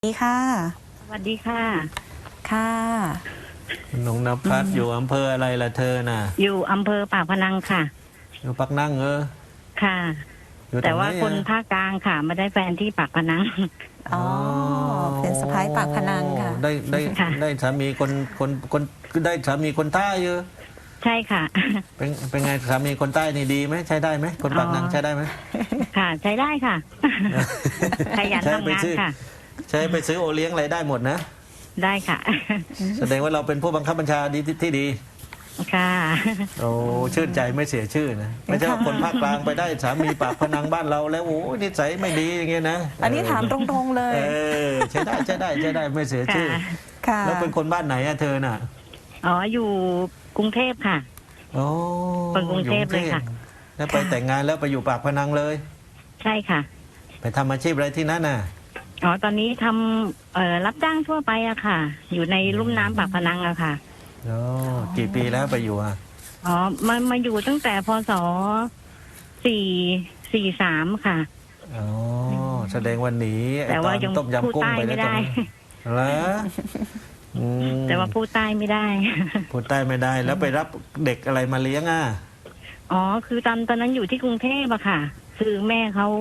สวัสดีค่ะสวัสดีค่ะค่ะน้องนภัสอยู่อำเภออะไรล่ะเธอน่ะอยู่อำเภอปากพนังค่ะอยู่ปักนั่งค่ะแต่ว่าคนภาคกลางค่ะมาได้แฟนที่ปากพนังอ๋อเป็นสะพ้ายปากพนังค่ะได้สามีคนได้สามีคนใต้เยอะใช่ค่ะเป็นไงสามีคนใต้นี่ดีไหมใช้ได้ไหมคนปากนังใช้ได้ไหมค่ะใช้ได้ค่ะขยันทำงานค่ะใช้ไปซื้อโอเลี้ยงอะไรได้หมดนะได้ค่ะแสดงว่าเราเป็นผู้บังคับบัญชาดีที่ดีค่ะโอ้ชื่นใจไม่เสียชื่อนะไม่ใช่ว่าคนภาคกลางไปได้สามีปากพนังบ้านเราแล้วโอ้นิสัยไม่ดีอย่างเงี้ยนะอันนี้ถามตรงๆเลยใช่ได้ไม่เสียชื่อแล้วเป็นคนบ้านไหนอะเธอน่ะอ๋ออยู่กรุงเทพค่ะโอ้คนกรุงเทพเลยค่ะแล้วไปแต่งงานแล้วไปอยู่ปากพนังเลยใช่ค่ะไปทำอาชีพอะไรที่นั่นน่ะอ๋อตอนนี้ทำรับจ้างทั่วไปอะค่ะอยู่ในลุ่มน้ำปากพนังอะค่ะโอ้กี่ปีแล้วไปอยู่อะอ๋อมาอยู่ตั้งแต่พศ43ค่ะอ๋อแสดงวันนี้แต่ว่ายังต้มยำกุ้งไปไม่ได้แล้วแต่ว่าพูดใต้ไม่ได้พูดใต้ไม่ได้แล้วไปรับเด็กอะไรมาเลี้ยงอ่ะอ๋อคือตอนนั้นอยู่ที่กรุงเทพอะค่ะคือแม่เขา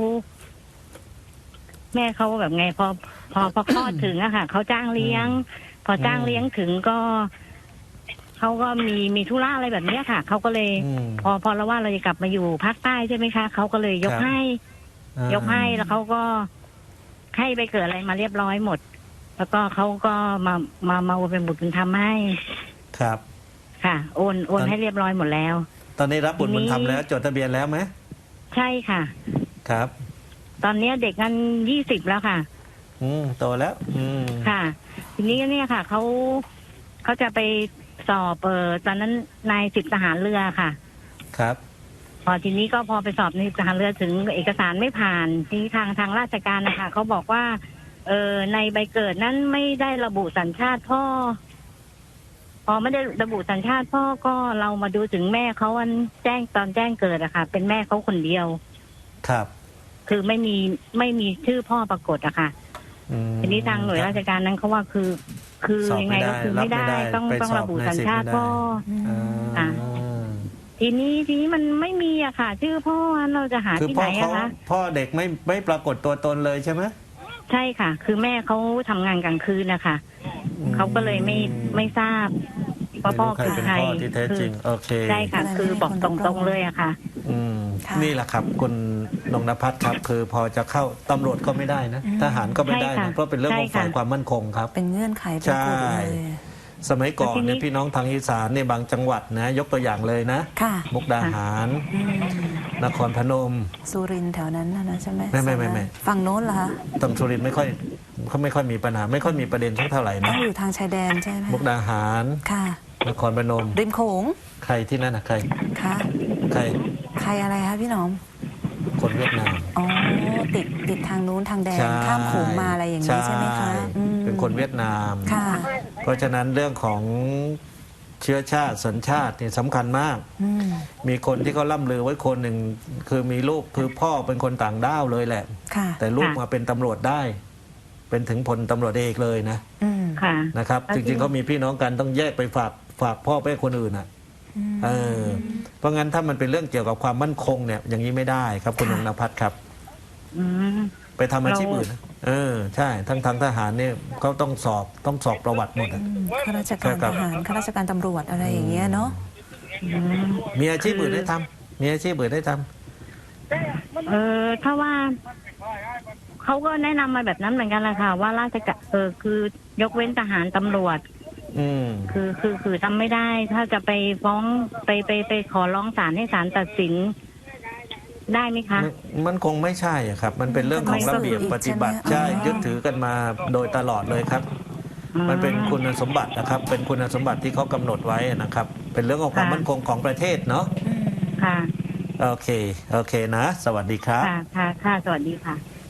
แบบไงพอคลอดถึงอะค่ะเขาจ้างเลี้ยงพอจ้างเลี้ยงถึงก็เขาก็มีธุระอะไรแบบนี้ค่ะเขาก็เลยพอเราว่าเราจะกลับมาอยู่ภาคใต้ใช่ไหมคะเขาก็เลยยกให้แล้วเขาก็ให้ไปเกิดอะไรมาเรียบร้อยหมดแล้วก็เขาก็มาโอนเป็นบุตรบุญธรรมให้ครับค่ะโอนให้เรียบร้อยหมดแล้วตอนนี้รับบุตรบุญธรรมแล้วจดทะเบียนแล้วไหมใช่ค่ะครับตอนนี้เด็กกัน20แล้วค่ะโตแล้วค่ะทีนี้เนี่ยค่ะเขาจะไปสอบตอนนั้นนาย10ทหารเรือค่ะครับพอทีนี้ก็พอไปสอบในทหารเรือถึงเอกสารไม่ผ่านที่ทางราชการนะคะเขาบอกว่าในใบเกิดนั้นไม่ได้ระบุสัญชาติพ่อพอไม่ได้ระบุสัญชาติพ่อก็เรามาดูถึงแม่เขาแจ้งเกิดอะค่ะเป็นแม่เขาคนเดียวครับคือไม่มีชื่อพ่อปรากฏอะค่ะทีนี้ทางหน่วยราชการนั้นเขาว่าคือยังไงก็คือไม่ได้ต้องระบุสัญชาติพ่อทีนี้มันไม่มีอะค่ะชื่อพ่อเราจะหาที่ไหนอะคะพ่อเด็กไม่ปรากฏตัวตนเลยใช่ไหมใช่ค่ะคือแม่เขาทำงานกลางคืนนะคะเขาก็เลยไม่ทราบว่าพ่อคือใครที่แท้จริงโอเคใช่ค่ะคือบอกตรงๆเลยอะค่ะนี่แหละครับคุณนงนภัสครับคือพอจะเข้าตำรวจก็ไม่ได้นะทหารก็ไม่ได้นะเพราะเป็นเรื่องของฝ่ายความมั่นคงครับเป็นเงื่อนไขใช่สมัยก่อนเนี่ยพี่น้องทางอีสานเนี่ยบางจังหวัดนะยกตัวอย่างเลยนะมุกดาหารนครพนมสุรินทร์แถวนั้นนะใช่ไหมไม่ฝั่งโน้นเหรอคะตรงสุรินทร์ไม่ค่อยมีปัญหาไม่ค่อยมีประเด็นเท่าไหร่นะอยู่ทางชายแดนใช่ไหมมุกดาหารค่ะนครพนมริมโขงใครที่นั่นนะใครค่ะใครอะไรคะพี่หนอมคนเวียดนามอ๋อติดทางนู้นทางแดนข้ามโขงมาอะไรอย่างนี้ใช่ไหมคะเป็นคนเวียดนามค่ะเพราะฉะนั้นเรื่องของเชื้อชาติสัญชาตินี่สำคัญมากมีคนที่เขาล่ำลือไว้คนหนึ่งคือมีลูกคือพ่อเป็นคนต่างด้าวเลยแหละแต่ลูกมาเป็นตำรวจได้เป็นถึงพลตำรวจเอกเลยนะนะครับจริงๆเขามีพี่น้องกันต้องแยกไปฝากพ่อไปคนอื่นอ่ะเพราะงั้นถ้ามันเป็นเรื่องเกี่ยวกับความมั่นคงเนี่ยอย่างนี้ไม่ได้ครับคุณนงนภัสครับไปทำอาชีพอื่นใช่ทั้งทหารเนี่ยเขาต้องสอบประวัติหมดข้าราชการทหารข้าราชการตำรวจอะไรอย่างเงี้ยเนาะมีอาชีพอื่นได้ทำมีอาชีพอื่นได้ทำถ้าว่าเขาก็แนะนำมาแบบนั้นเหมือนกันแหละค่ะว่าราชการคือยกเว้นทหารตำรวจคือทำไม่ได้ถ้าจะไปฟ้องไปขอร้องศาลให้ศาลตัดสินได้ไหมคะมันคงไม่ใช่ครับมันเป็นเรื่องของระเบียบปฏิบัติใช่ยึดถือกันมาโดยตลอดเลยครับมันเป็นคุณสมบัตินะครับเป็นคุณสมบัติที่เขากำหนดไว้นะครับเป็นเรื่องของความมั่นคงของประเทศเนาะค่ะโอเคนะสวัสดีครับค่ะสวัสดีค่ะ